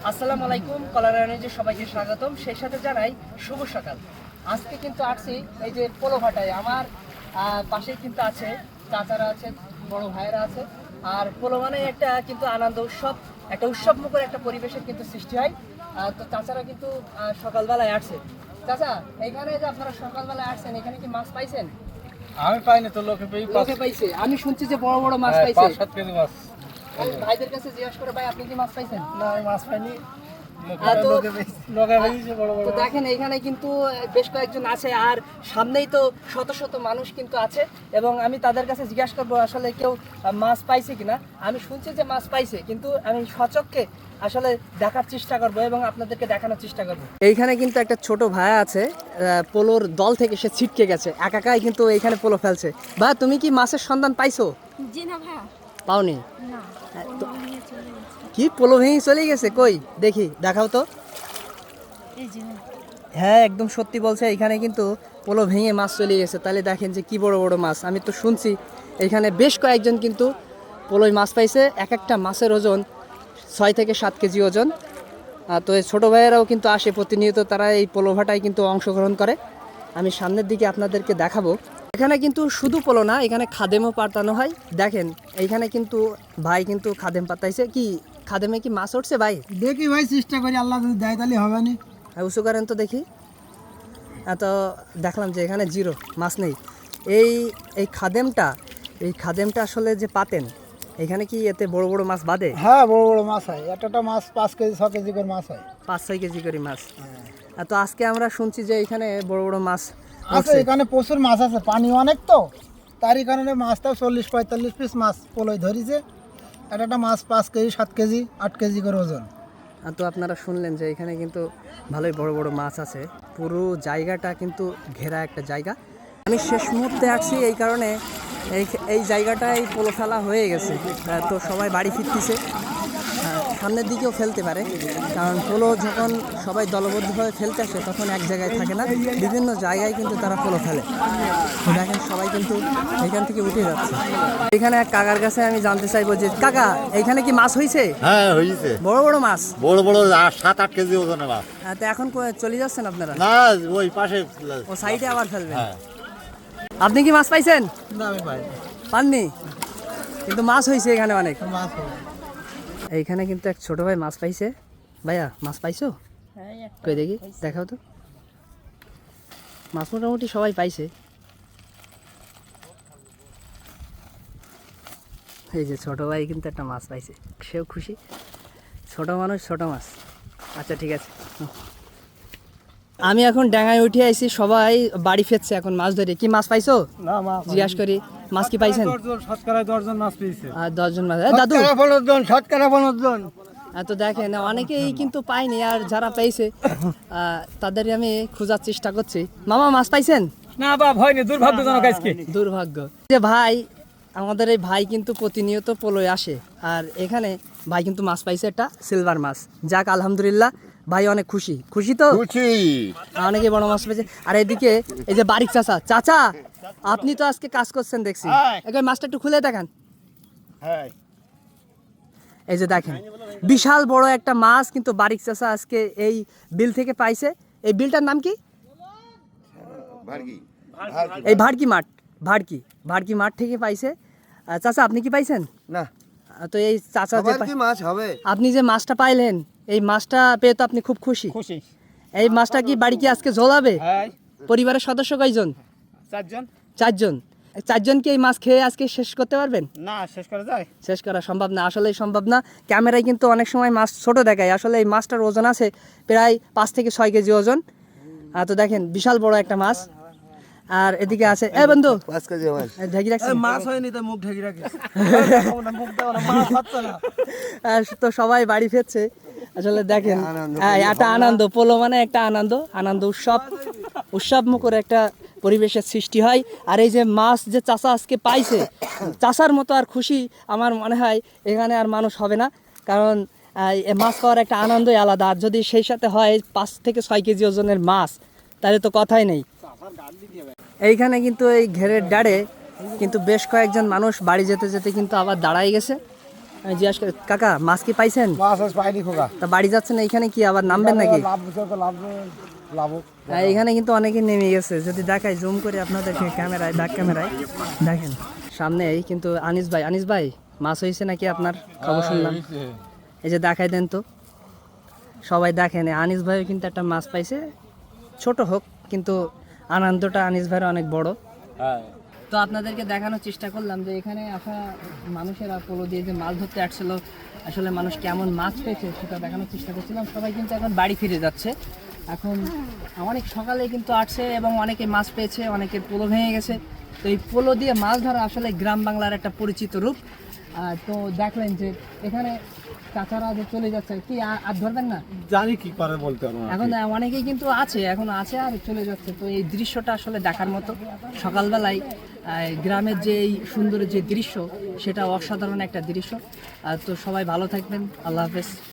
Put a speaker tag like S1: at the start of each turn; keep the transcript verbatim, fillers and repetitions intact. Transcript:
S1: আসসালামু আলাইকুম, কলারায়ণে সবাইকে স্বাগতম। সেই সাথে জানাই শুভ সকাল। আজকে কিন্তু আসছি এই যে পোলো ভাটায়। আমার পাশেই কিন্তু আছে চাচারা আছে, বড় ভাইয়েরা আছে। আর পোলো মানে একটা কিন্তু আনন্দ উৎসব, একটা উৎসব মুখর একটা পরিবেশের কিন্তু সৃষ্টি হয়। তো চাচারা কিন্তু সকালবেলায় আসছে। চাচা, এখানে যে আপনারা সকালবেলায় আসছেন, এখানে কি মাছ পাইছেন?
S2: আমি পাইনি তো, লোকে পেয়ে
S1: লোকে পাইছে। আমি শুনছি যে বড় বড় মাছ পাইছে।
S2: পাঁচ সাত কেজি মাছ।
S1: ভাইদের কাছে জিজ্ঞাসা করে, ভাই আপনি কি মাছ পাইছেন?
S2: না, আমি মাছ পাইনি।
S1: তো দেখেন এখানে কিন্তু বেশ কয়েকজন আছে, আর সামনেই তো শত শত মানুষ কিন্তু আছে, এবং আমি তাদের কাছে জিজ্ঞাসা করবো আসলে কেউ মাছ পাইছে কিনা। আমি শুনছি যে মাছ পাইছে, কিন্তু আমি সচক্ষে আসলে দেখার চেষ্টা করব এবং আপনাদেরকে দেখানোর চেষ্টা করব। এইখানে কিন্তু একটা ছোট ভাই আছে, পোলোর দল থেকে সে ছিটকে গেছে, একাকাই কিন্তু এইখানে পোলো ফেলছে। ভাই, তুমি কি মাছের সন্ধান পাইছো?
S3: জি না ভাইয়া।
S1: পাওনি?
S3: না,
S1: কি পোলো ভেঙে চলে গেছে? কই দেখি, দেখাও তো। হ্যাঁ, একদম সত্যি বলছে, এখানে কিন্তু পোলো ভেঙে মাছ চলে গেছে। তাহলে দেখেন যে কি বড় বড় মাছ। আমি তো শুনছি এখানে বেশ কয়েকজন কিন্তু পোলোয় মাছ পাইছে। এক একটা মাছের ওজন ছয় থেকে সাত কেজি ওজন। তো এই ছোটো ভাইয়েরাও কিন্তু আসে প্রতিনিয়ত, তারা এই পোলো ভাটায় কিন্তু অংশগ্রহণ করে। আমি সামনের দিকে আপনাদেরকে দেখাবো। এখানে কিন্তু শুধু পোলো না, এখানে খাদেমও পাতানো হয়। দেখেন এইখানে কিন্তু ভাই কিন্তু খাদেম পাতাইছে। কি খাদেমে কি মাছ উঠছে ভাই?
S2: দেখি ভাই, চেষ্টা করি, আল্লাহ যদি দেয় তাহলে হবে না।
S1: উঁচু করেন তো দেখি। তো দেখলাম যে এখানে জিরো, মাছ নেই। এই এই খাদেমটা এই খাদেমটা আসলে যে পাতেন, এখানে কি এতে বড় বড় মাছ বাঁধে?
S2: হ্যাঁ, বড় বড় মাছ হয়। একটা মাছ পাঁচ কেজি ছ কেজি করে মাছ হয়।
S1: পাঁচ ছয় কেজি করে মাছ। তো আজকে আমরা শুনছি যে এখানে বড় বড় মাছ
S2: আছে, এখানে প্রচুর মাছ আছে, পানি অনেক, তো তারই কারণে মাছটাও চল্লিশ পঁয়তাল্লিশ পিস মাছ পোলোয় ধরিছে। একটা একটা মাছ পাঁচ কেজি সাত কেজি আট কেজি করে ওজন।
S1: তো আপনারা শুনলেন যে এখানে কিন্তু ভালোই বড় বড় মাছ আছে। পুরো জায়গাটা কিন্তু ঘেরা একটা জায়গা। আমি শেষ মুহূর্তে আসছি, এই কারণে এই এই জায়গাটায় পোলো ফেলা হয়ে গেছে। তো সবাই বাড়ি ফিরতেছে, সামনের দিকেও ফেলতে পারে, কারণ পোলো যখন সবাই দলবদ্ধভাবে ফেলতে আসে তখন এক জায়গায় থাকে না, বিভিন্ন জায়গায় কিন্তু তারা পোলো ফেলে। তো দেখেন সবাই কিন্তু এখান থেকে উঠে যাচ্ছে। এখানে এক কাকার কাছে আমি জানতে চাইবো যে, কাকা এইখানে কি মাছ হয়েছে?
S4: হ্যাঁ, হয়েছে।
S1: বড় বড় মাছ,
S4: বড় বড় সাত আট কেজি ওজনের মাছ।
S1: তো এখন চলে যাচ্ছেন আপনারা?
S4: না, ওই পাশে
S1: ও সাইডে আবার ফেলবেন।
S4: হ্যাঁ।
S1: আপনি কি মাছ পাইছেন?
S2: না, আমি পাই
S1: পাননি, কিন্তু মাছ হয়েছে এখানে অনেক।
S2: মাছ
S1: এইখানে কিন্তু এক ছোট ভাই মাছ পাইছে। ভাইয়া, মাছ পাইছো? কই দেখি, দেখাও তো। মাছ মোটামুটি সবাই পাইছে। এই যে ছোট ভাই কিন্তু একটা মাছ পাইছে, সেও খুশি। ছোট মানুষ ছোট মাছ। আচ্ছা ঠিক আছে, আমি এখন ডাঙায় উঠে আইছি, সবাই বাড়ি ফিরছে এখন মাছ ধরে। কি মাছ পাইছো?
S2: না, মাছ
S1: জিজ্ঞাসা করি, মাছ কি পাইছেন?
S2: শতকরা দশজন মাছ পেয়েছে।
S1: আর দশজন মাছ। দাদু,
S2: শতকরা পনেরো জন।
S1: তো দেখেন অনেকেই কিন্তু পাইনি, আর যারা পেয়েছে তাদের আমি খোঁজার চেষ্টা করছি। মামা, মাছ পাইছেন?
S2: না বাপ, হয়নি, দুর্ভাগ্যজনক আজকে।
S1: দুর্ভাগ্য যে ভাই, আমাদের এই ভাই কিন্তু প্রতিনিয়ত পোলোয় আসে, আর এখানে ভাই কিন্তু মাছ পাইছে, একটা সিলভার মাছ। যাক, আলহামদুলিল্লাহ, ভাই অনেক খুশি। খুশি তো?
S4: খুশি।
S1: অনেকে বড় মাছ পেয়েছে। আর এদিকে এই যে বারিক চাচা, চাচা আপনি তো আজকে কাজ করছেন দেখছি, একবার মাছটা একটু খুলে দেখান।
S4: হ্যাঁ,
S1: এই যে দেখেন, বিশাল বড় একটা মাছ কিন্তু বারিক চাচা আজকে এই বিল থেকে পাইছে। এই বিলটার নাম কি? এই ভাড়কি মাঠ, ভাড়কি ভাড়কি মাঠ থেকে পাইছে। চাচা, আপনি কি পাইছেন?
S4: না।
S1: তো এই চাচা যে
S4: কি মাছ হবে?
S1: আপনি যে মাছটা পাইলেন, এই মাছটা পেয়ে তো আপনি খুব খুশি।
S2: খুশি।
S1: এই মাছটা কি বাড়ি কি আজকে ঝোলাবে?
S2: হ্যাঁ।
S1: পরিবারের সদস্য কয়জন?
S2: চারজন।
S1: চারজন। চারজন কি এই মাছ খেয়ে আজকে শেষ করতে পারবেন?
S2: না, শেষ করা যায়?
S1: শেষ করা সম্ভব না, আসলেই সম্ভব না। ক্যামেরায় কিন্তু অনেক সময় মাছ ছোট দেখায়, আসলে এই মাছটার ওজন আছে প্রায় পাঁচ থেকে ছয় কেজি ওজন। তো দেখেন বিশাল বড় একটা মাছ। আর এদিকে আছে, এ বন্ধু,
S4: পাঁচ কেজি মাছ
S1: ঢেকে রাখছি।
S2: মাছ হয়নি তো মুখ ঢেকে রাখিস।
S1: তো সবাই বাড়ি ফিরছে। আসলে দেখেন, একটা আনন্দ, পোলো মানে একটা আনন্দ, আনন্দ উৎসব, উৎসব মুখর একটা পরিবেশের সৃষ্টি হয়। আর এই যে মাছ যে চাষা আজকে পাইছে, চাষার মতো আর খুশি আমার মনে হয় এখানে আর মানুষ হবে না, কারণ মাছ পাওয়ার একটা আনন্দই আলাদা। আর যদি সেই সাথে হয় পাঁচ থেকে ছয় কেজি ওজনের মাছ, তাহলে তো কথাই নেই। এইখানে কিন্তু এই ঘেরের ডাড়ে কিন্তু বেশ কয়েকজন মানুষ বাড়ি যেতে যেতে কিন্তু আবার দাঁড়াই গেছে। আমি জিজ্ঞাসা করি, কাকা মাছ কি পাইছেন?
S2: মাছ আজ পাইনি খোকা।
S1: তা বাড়ি যাচ্ছেন এখানে কি আবার নামবেন নাকি?
S2: লাভ বুঝে তো লাভ লাভ
S1: আর এখানে কিন্তু অনেকে নেমে গেছে, যদি দেখাই জুম করে আপনাদেরকে ক্যামেরায় ব্যাক ক্যামেরায় দেখেন সামনেই কিন্তু আনিস ভাই। আনিস ভাই মাছ হয়েছে নাকি আপনার? খবর শুনলাম, এই যে দেখাই দেন তো সবাই দেখেন। এই আনিস ভাইও কিন্তু একটা মাছ পাইছে, ছোট হোক কিন্তু আনন্দটা আনিস ভাইয়ের অনেক বড়। তো আপনাদেরকে দেখানোর চেষ্টা করলাম যে এখানে আসা মানুষেরা পোলো দিয়ে যে মাছ ধরতে আসছিল, আসলে মানুষ কেমন মাছ পেয়েছে সেটা দেখানোর চেষ্টা করছিলাম। সবাই কিন্তু এখন বাড়ি ফিরে যাচ্ছে। এখন অনেক সকালে কিন্তু আসছে এবং অনেকে মাছ পেয়েছে, অনেকের পোলো ভেঙে গেছে। তো এই পোলো দিয়ে মাছ ধরা আসলে গ্রাম বাংলার একটা পরিচিত রূপ। আহ, তো দেখলেন যে এখানে কাঁচারা যে চলে যাচ্ছে, কি আ- আর ধরবেন না?
S4: জানি কি করে বলতে পারবো না।
S1: এখন অনেকেই কিন্তু আছে, এখন আছে আর চলে যাচ্ছে। তো এই দৃশ্যটা আসলে দেখার মতো। সকালবেলায় আহ, গ্রামের যে এই সুন্দর যে দৃশ্য, সেটা অসাধারণ একটা দৃশ্য। আর তো সবাই ভালো থাকবেন, আল্লাহ হাফেজ।